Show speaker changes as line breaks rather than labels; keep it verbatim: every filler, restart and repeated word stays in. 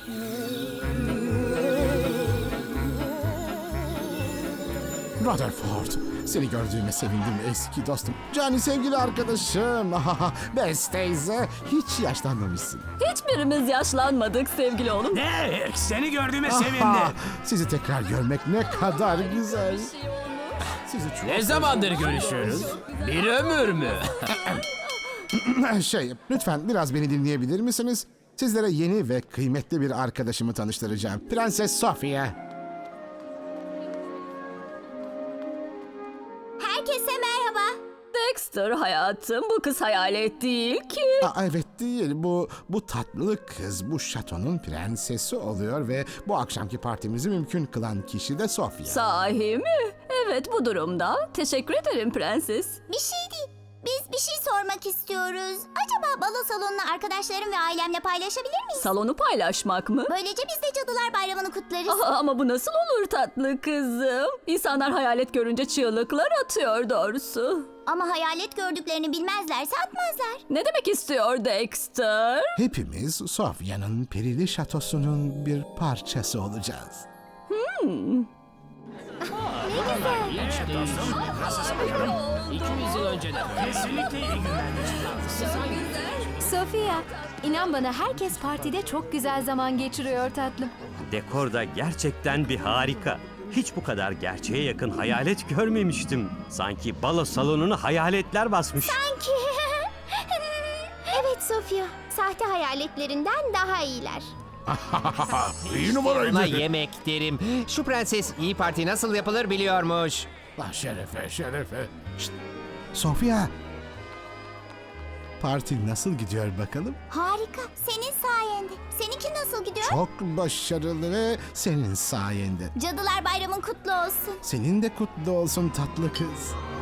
Rutherford, seni gördüğüme sevindim eski dostum. Cani sevgili arkadaşım. Bess teyze, hiç yaşlanmamışsın.
Hiçbirimiz yaşlanmadık sevgili oğlum.
Ne? Seni gördüğüme
Aha,
sevindim.
sizi tekrar görmek ne kadar güzel. Sizi çok
Ne zamandır görüşüyoruz? Bir ömür mü?
Şey, lütfen biraz beni dinleyebilir misiniz? Sizlere yeni ve kıymetli bir arkadaşımı tanıştıracağım. Prenses Sofia.
Herkese merhaba.
Dexter hayatım, bu kız hayalet değil ki.
Aa, evet değil, bu bu tatlı kız bu şatonun prensesi oluyor ve bu akşamki partimizi mümkün kılan kişi de Sofia.
Sahi mi? Evet, bu durumda. Teşekkür ederim prenses.
Bir şey değil. Biz bir şey sormak istiyoruz. Acaba balo salonunu arkadaşlarım ve ailemle paylaşabilir miyiz?
Salonu paylaşmak mı?
Böylece biz de Cadılar Bayramı'nı kutlarız.
Aa, ama bu nasıl olur tatlı kızım? İnsanlar hayalet görünce çığlıklar atıyor doğrusu.
Ama hayalet gördüklerini bilmezlerse atmazlar.
Ne demek istiyor Dexter?
Hepimiz Sofia'nın perili şatosunun bir parçası olacağız.
iki yüz yıl önce de.
Kesinlikle iyi günler
Sofia, inan bana herkes partide çok güzel zaman geçiriyor tatlım.
Dekor da gerçekten bir harika. Hiç bu kadar gerçeğe yakın hayalet görmemiştim. Sanki balo salonunu hayaletler basmış.
Sanki. Evet Sofia, sahte hayaletlerinden daha iyiler.
İyi
Ona yemek derim. Şu prenses iyi parti nasıl yapılır biliyormuş.
Ah, şerefe, şerefe. Şşt, Sofia. Parti nasıl gidiyor bakalım?
Harika, senin sayende. Seninki nasıl gidiyor?
Çok başarılı ve senin sayende.
Cadılar Bayramın kutlu olsun.
Senin de kutlu olsun tatlı kız.